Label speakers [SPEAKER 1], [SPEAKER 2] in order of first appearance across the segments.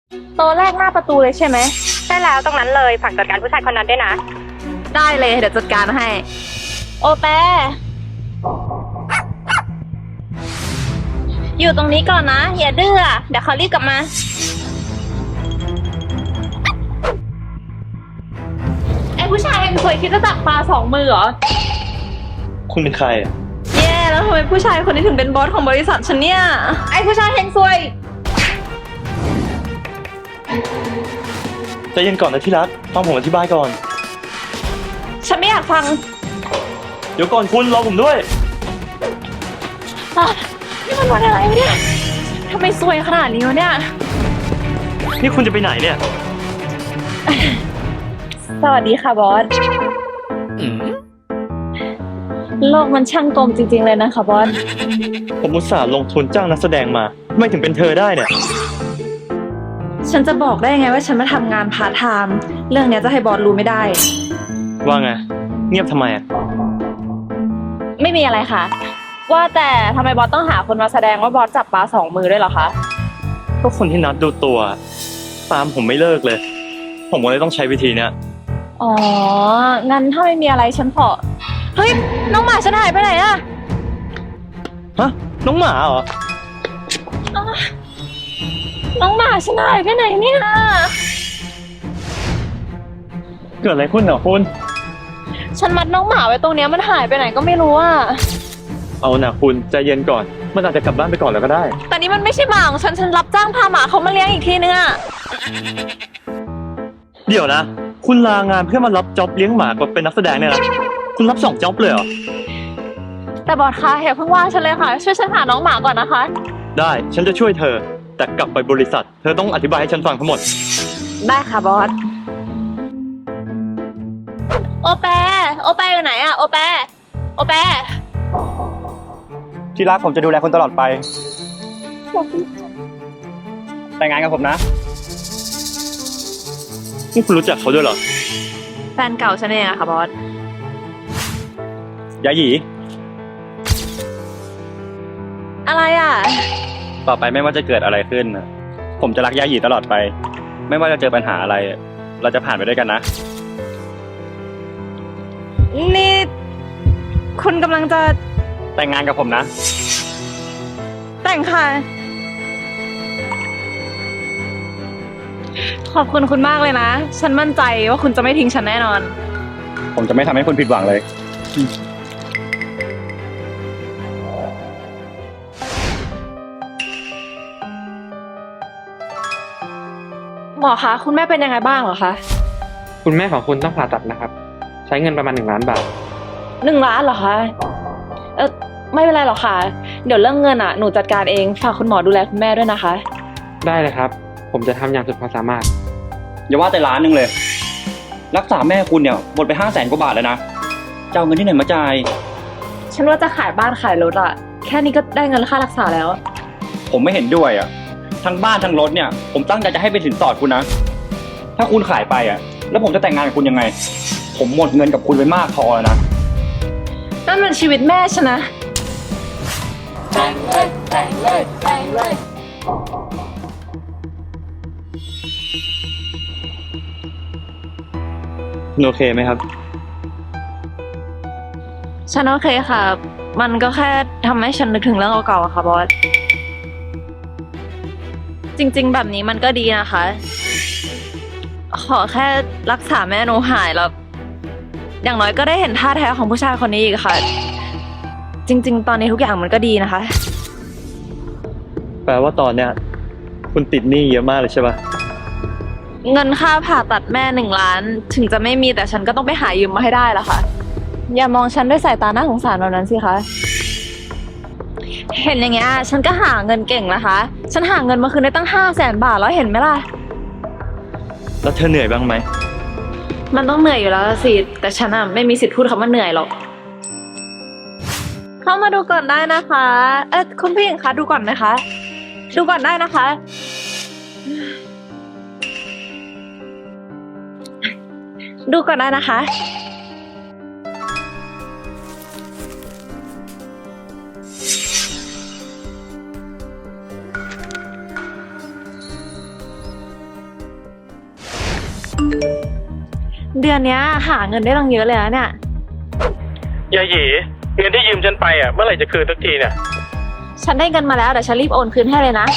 [SPEAKER 1] โต๊ะแรกหน้าประตูเลยใช่ไหม
[SPEAKER 2] ใช่แล้วตรงนั้นเลยฝากจัดการผู้ชายคนนั้นด้วยนะ
[SPEAKER 1] ได้เลยเดี๋ยวจัดการให้ โอแปอยู่ตรงนี้ก่อนนะอย่าดื้อเดี๋ยวเขารีบกลับมาไอ้ผู้ชายเองเคยคิดจะจับปลา2 มือเหรอ
[SPEAKER 3] คุณเป็นใครอ่ะ
[SPEAKER 1] แย่แล้วทำไมผู้ชายคนนี้ถึงเป็นบอสของบริษัทฉันเนี่ยไอ้ผู้ชายเฮงซวย
[SPEAKER 3] ใจเย็นก่อนนะที่รักฟังผมอธิบายก่อน
[SPEAKER 1] ฉันไม่อยากฟัง
[SPEAKER 3] เดี๋ยวก่อนคุณรอผมด้วย
[SPEAKER 1] นี่มันวันอะไรวะเนี่ยทำไมซวยขนาดนี้วะเนี่ย
[SPEAKER 3] นี่คุณจะไปไหนเนี่ย
[SPEAKER 1] สวัสดีค่ะบอสโลกมันช่างกลมจริงๆเลยนะคะบอส
[SPEAKER 3] ผมอุตส่าห์ลงทุนจ้างนักแสดงมาทำไมถึงเป็นเธอได้เนี่ย
[SPEAKER 1] ฉันจะบอกได้ไงว่าฉันมาทำงานพาร์ทไทม์เรื่องเนี้ยจะให้บอสรู้ไม่ได้
[SPEAKER 3] ว่าไง เงียบทำไมอ่ะ
[SPEAKER 1] ไม่มีอะไรค่ะ ว่าแต่ทำไมบอสต้องหาคนมาแสดงว่าบอสจับปลา2 มือด้วยเหรอคะ
[SPEAKER 3] ก็คนที่นัดดูตัวตามผมไม่เลิกเลย ผมก็เลยต้องใช้วิธีเนี้ย
[SPEAKER 1] อ๋อ งั้นถ้าไม่มีอะไรฉันขอเฮ้ย น้องหมาฉันหายไปไหนอะ
[SPEAKER 3] ฮะ น้องหมาเหรอ
[SPEAKER 1] น้องหมาฉันหายไปไหนเนี่ย
[SPEAKER 3] เกิดอะไรขึ้นเหรอคุณ
[SPEAKER 1] ฉันมัดน้องหมาไว้ตรงเนี้ยมันหายไปไหนก็ไม่รู้อะ
[SPEAKER 3] เอานะคุณใจเย็นก่อน มันอาจจะกลับบ้านไปก่อนแล้วก็ได้
[SPEAKER 1] แต่นี่มันไม่ใช่หมาของฉันรับจ้างพาหมาเขามาเลี้ยงอีกทีนึงอะ
[SPEAKER 3] เดี๋ยวนะ คุณลางานเพื่อมารับจ็อบเลี้ยงหมากับเป็นนักแสดงเนี่ยนะ คุณรับ2จ็อบเลยเหรอ
[SPEAKER 1] แต่บอสคะอย่าเพิ่งว่าฉันเลยค่ะ ช่วยฉันหาน้องหมาก่อนนะคะ
[SPEAKER 3] ได้ ฉันจะช่วยเธอ แต่กลับไปบริษัท เธอต้องอธิบายให้ฉันฟังทั้งหมด
[SPEAKER 1] ได้ค่ะบอส โอแปอยู่ไหนอะโอแป
[SPEAKER 4] ที่รักผมจะดูแลคุณตลอดไป แต่งงานกับผมนะ
[SPEAKER 3] นี่คุณรู้จักเขาด้วยเหรอ
[SPEAKER 1] แฟนเก่าฉันเองอะค่ะบอส
[SPEAKER 4] ยาหยี
[SPEAKER 1] อะไรอะ
[SPEAKER 4] ต่อไปไม่ว่าจะเกิดอะไรขึ้นน่ะผมจะรักยาหยีตลอดไป ไม่ว่าจะเจอปัญหาอะไร เราจะผ่านไปด้วยกันนะ
[SPEAKER 1] นี่คุณกำลังจะ
[SPEAKER 4] แต่งงานกับผมนะ
[SPEAKER 1] แต่งค่ะ ขอบคุณคุณมากเลยนะ ฉันมั่นใจว่าคุณจะไม่ทิ้งฉันแน่นอน
[SPEAKER 4] ผมจะไม่ทำให้คุณผิดหวังเลย
[SPEAKER 1] หมอคะคุณแม่เป็นยังไงบ้างเหรอคะ
[SPEAKER 5] คุณแม่ของคุณต้องผ่าตัดนะครับ ใช้เงินประมาณ1 ล้านบาท
[SPEAKER 1] 1 ล้านเหรอคะไม่เป็นไรหรอกค่ะ เดี๋ยวเรื่องเงินอะหนูจัดการเองฝากคุณหมอดูแลคุณแม่ด้วยนะคะ
[SPEAKER 5] ได้เลยครับ ผมจะทำอย่างสุดความสามารถ
[SPEAKER 4] อย่าว่าแต่ล้านหนึ่งเลย รักษาแม่คุณเนี่ยหมดไป500,000 กว่าบาทแล้วนะจะเอาเงินที่ไหนมาจ่าย
[SPEAKER 1] ฉันว่าจะขายบ้านขายรถอะแค่นี้ก็ได้เงินค่ารักษาแล้ว
[SPEAKER 4] ผมไม่เห็นด้วยอ่ะ ทั้งบ้านทั้งรถเนี่ย ผมตั้งใจจะให้เป็นสินสอดคุณนะ ถ้าคุณขายไปอ่ะ แล้วผมจะแต่งงานกับคุณยังไง ผมหมดเงินกับคุณไปมากพอแล้วนะ
[SPEAKER 1] นั่นมันชีวิตแม่ฉันนะ
[SPEAKER 3] คุณโอเคไหมครับ
[SPEAKER 1] ฉันโอเคค่ะ มันก็แค่ทำให้ฉันนึกถึงเรื่องเก่าๆอะค่ะบอส จริงๆแบบนี้มันก็ดีนะคะ ขอแค่รักษาแม่หนูหายแล้ว อย่างน้อยก็ได้เห็นท่าแท้ของผู้ชายคนนี้อีกค่ะ จริงๆ ตอนนี้ทุกอย่างมันก็ดีนะคะ
[SPEAKER 3] แปลว่าตอนเนี้ยคุณติดหนี้เยอะมากเลยใช่ปะ
[SPEAKER 1] เงินค่าผ่าตัดแม่1 ล้าน ถึงจะไม่มีแต่ฉันก็ต้องไปหายืมมาให้ได้ละค่ะ อย่ามองฉันด้วยสายตาน่าสงสารแบบนั้นสิคะ เห็นอย่างเงี้ยฉันก็หาเงินเก่งนะคะ ฉันหาเงินมาคืนได้ตั้ง500,000 บาทแล้วเห็นไหมล่ะ
[SPEAKER 3] แล้วเธอเหนื่อยบ้างไหม
[SPEAKER 1] มันต้องเหนื่อยอยู่แล้วสิ แต่ฉันอะไม่มีสิทธิ์พูดคำว่าเหนื่อยหรอก เข้ามาดูก่อนได้นะคะ คุณผู้หญิงคะดูก่อนไหมคะ ดูก่อนได้นะคะ ดูก่อนได้นะคะเดือนเนี้ยหาเงินได้ตั้งเยอะเลยนะเนี่ย
[SPEAKER 6] ยายหยีเงินที่ยืมฉันไปอ่ะเมื่อไหร่จะคืนสักทีเนี่ย
[SPEAKER 1] ฉันได้เงินมาแล้วเดี๋ยวฉันรีบโอนคืนให้เลยนะ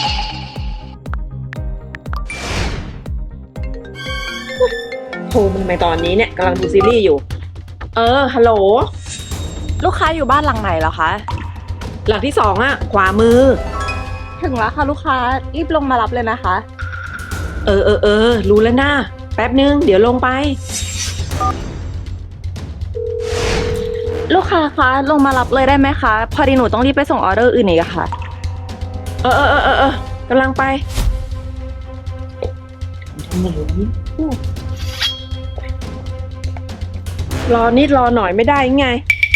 [SPEAKER 7] โทรมึงในตอนนี้เนี่ยกำลังดูซีรีส์อยู่ ฮัลโหล
[SPEAKER 1] ลูกค้าอยู่บ้านหลังไหนเหรอคะ
[SPEAKER 7] หลังที่สองอะขวามือ
[SPEAKER 1] ถึงแล้วค่ะลูกค้ารีบลงมารับเลยนะคะ
[SPEAKER 7] รู้แล้วนะแป๊บนึง เดี๋ยวลงไป
[SPEAKER 1] ลูกค้าคะลงมารับเลยได้ไหมคะ พอดีหนูต้องรีบไปส่งออเดอร์อื่นอีกอะค่ะ
[SPEAKER 7] กำลังไป รอนิดรอหน่อยไม่ได้ไง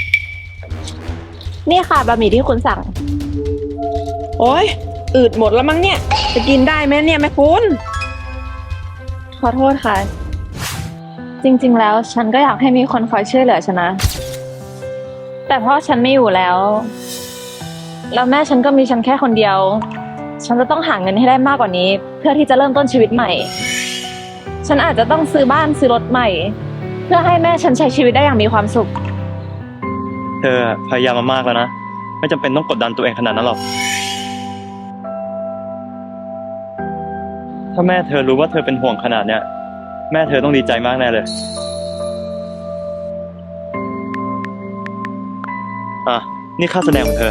[SPEAKER 1] นี่ค่ะบะหมี่ที่คุณสั่ง
[SPEAKER 7] โอ้ยอืดหมดแล้วมั้งเนี่ย จะกินได้ไหมเนี่ยแม่คุณ
[SPEAKER 1] ขอโทษค่ะ จริงๆแล้วฉันก็อยากให้มีคนคอยช่วยเหลือฉันนะ แต่เพราะฉันไม่อยู่แล้ว แล้วแม่ฉันก็มีฉันแค่คนเดียว ฉันจะต้องหาเงินให้ได้มากกว่านี้ เพื่อที่จะเริ่มต้นชีวิตใหม่ ฉันอาจจะต้องซื้อบ้านซื้อรถใหม่ เพื่อให้แม่ฉันใช้ชีวิตได้อย่างมีความสุข
[SPEAKER 3] เธอพยายามมามากแล้วนะ ไม่จำเป็นต้องกดดันตัวเองขนาดนั้นหรอก ถ้าแม่เธอรู้ว่าเธอเป็นห่วงขนาดเนี้ย แม่เธอต้องดีใจมากแน่เลย อ่ะ นี่ค่าแสดงของเธอ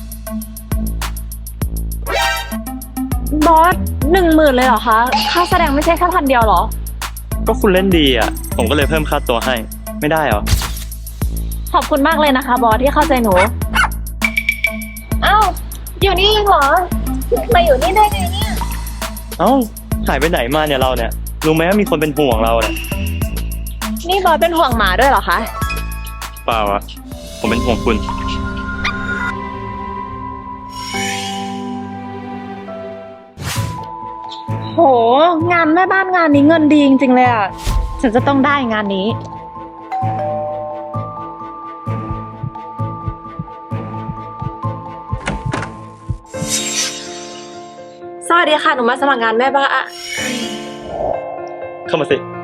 [SPEAKER 1] บอส10,000เลยเหรอคะ ค่าแสดงไม่ใช่แค่1,000เดียวเหรอ
[SPEAKER 3] ก็คุณเล่นดีอ่ะ ผมก็เลยเพิ่มค่าตัวให้ ไม่ได้เหรอ
[SPEAKER 1] ขอบคุณมากเลยนะคะบอสที่เข้าใจหนู อ้าว อยู่นี่เองเหรอ มาอยู่นี่ได้ไงเนี่ย
[SPEAKER 3] เอ้า หายไปไหนมาเนี่ยเราเนี่ย รู้ไหมว่ามีคนเป็นห่วงเราเนี่ย
[SPEAKER 1] นี่บอสเป็นห่วงหมาด้วยเหรอคะ
[SPEAKER 3] เปล่าอ่ะ ผมเป็นห่วงคุณ
[SPEAKER 1] โห งานแม่บ้านงานนี้เงินดีจริงๆเลยอ่ะ ฉันจะต้องได้งานนี้
[SPEAKER 7] สวัสดีค่ะ หนูมาสมัครงานแม่บ้าน
[SPEAKER 3] เข้ามาสิ